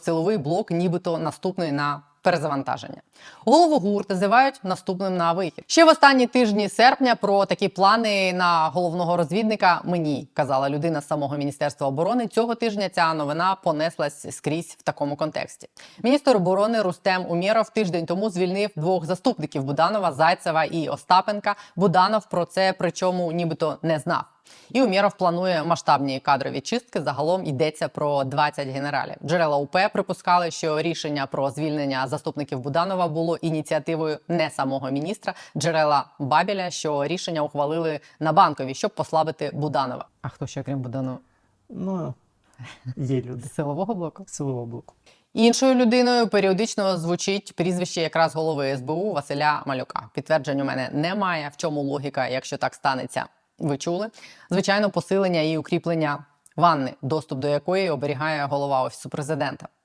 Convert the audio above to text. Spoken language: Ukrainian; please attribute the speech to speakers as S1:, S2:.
S1: силовий блок нібито наступний на перезавантаження. Голову ГУР називають наступним на вихід. Ще в останні тижні серпня про такі плани на головного розвідника мені казала людина з самого Міністерства оборони. Цього тижня ця новина понеслась скрізь в такому контексті. Міністр оборони Рустем Умєров тиждень тому звільнив 2 заступників Буданова, Зайцева і Остапенка. Буданов про це причому нібито не знав. І Умєров планує масштабні кадрові чистки. Загалом йдеться про 20 генералів. Джерела УП припускали, що рішення про звільнення заступників Буданова було ініціативою не самого міністра. Джерела Бабеля, що рішення ухвалили на Банковій, щоб послабити Буданова. А хто ще, крім Буданова?
S2: Ну, є люди.
S1: З силового блоку?
S2: Силового блоку.
S1: Іншою людиною періодично звучить прізвище якраз голови СБУ Василя Малюка. Підтверджень у мене немає. В чому логіка, якщо так станеться? Ви чули? Звичайно, посилення і укріплення ванни, доступ до якої оберігає голова Офісу Президента.